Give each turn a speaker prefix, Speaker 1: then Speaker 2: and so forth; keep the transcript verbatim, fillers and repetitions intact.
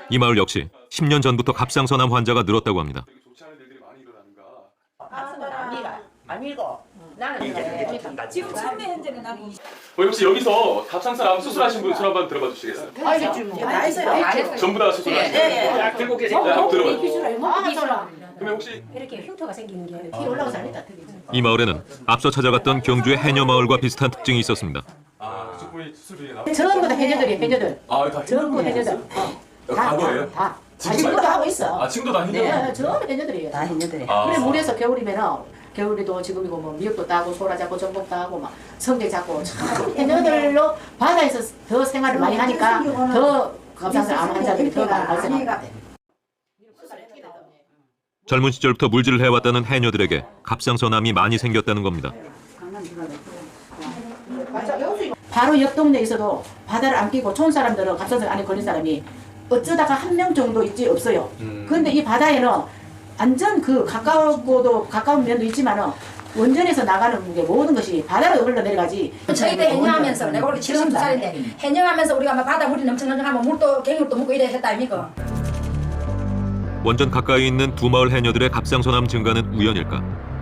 Speaker 1: 이 마을 역시 십 년 전부터 갑상선암 환자가 늘었다고 합니다.
Speaker 2: 아니고 나는
Speaker 3: 지금 현재 현재는 나는
Speaker 4: 어, 혹시 여기서 갑상선암 수술하신 분 손 한번 들어봐 주시겠어요?
Speaker 2: 알겠지 뭐.
Speaker 3: 다 했어요.
Speaker 4: 전부 다 수술하신 분?
Speaker 2: 예, 들고 계세요.
Speaker 4: 네, 한번 들어봐.
Speaker 3: 아,
Speaker 4: 그러면 혹시
Speaker 3: 이렇게 흉터가 생기는 게
Speaker 2: 피 올라가서 안 했다.
Speaker 1: 이 마을에는 앞서 찾아갔던 경주의 해녀 마을과 비슷한 특징이 있었습니다.
Speaker 4: 아, 그쪽분이 수술이 나.
Speaker 2: 전부 다 해녀들이 해녀들.
Speaker 4: 아, 다
Speaker 2: 전부 해녀들.
Speaker 4: 어, 과거예요?
Speaker 2: 다.
Speaker 4: 지금
Speaker 2: 지금도 하고 있어.
Speaker 4: 아, 지금도 다 해녀?
Speaker 2: 네, 전부 해녀들이에요.
Speaker 5: 다 했는데.
Speaker 4: 아.
Speaker 2: 그래 물에서 겨울이면은 겨울에도 지금이고 뭐 미역도 따고 소라 잡고 전복 따고 막 성게 잡고 참 해녀들로 바다에서 더 생활을 많이 하니까 더 갑상선암 환자들이 더 많이 발생하는 것 같아요.
Speaker 1: 젊은 시절부터 물질을 해왔다는 해녀들에게 갑상선암이 많이 생겼다는 겁니다.
Speaker 2: 바로 옆 동네에서도 바다를 안 끼고 촌 사람들은 갑상선 안에 걸린 사람이 어쩌다가 한 명 정도 있지 없어요.
Speaker 4: 음.
Speaker 2: 그런데 이 바다에는 완전 그 가까우고도 가까운 면도 있지만은 원전에서 나가는 게 모든 것이 바다로 흘러내려가지.
Speaker 6: 저희도 해녀하면서 내가 우리 칠십두 살인데 해녀하면서 우리가 막 바다 물이 넘쳐넘쳐하면 물도 갱물도 묻고 이래 했다 아닙니까?
Speaker 1: 원전 가까이 있는 두 마을 해녀들의 갑상선암 증가는 우연일까?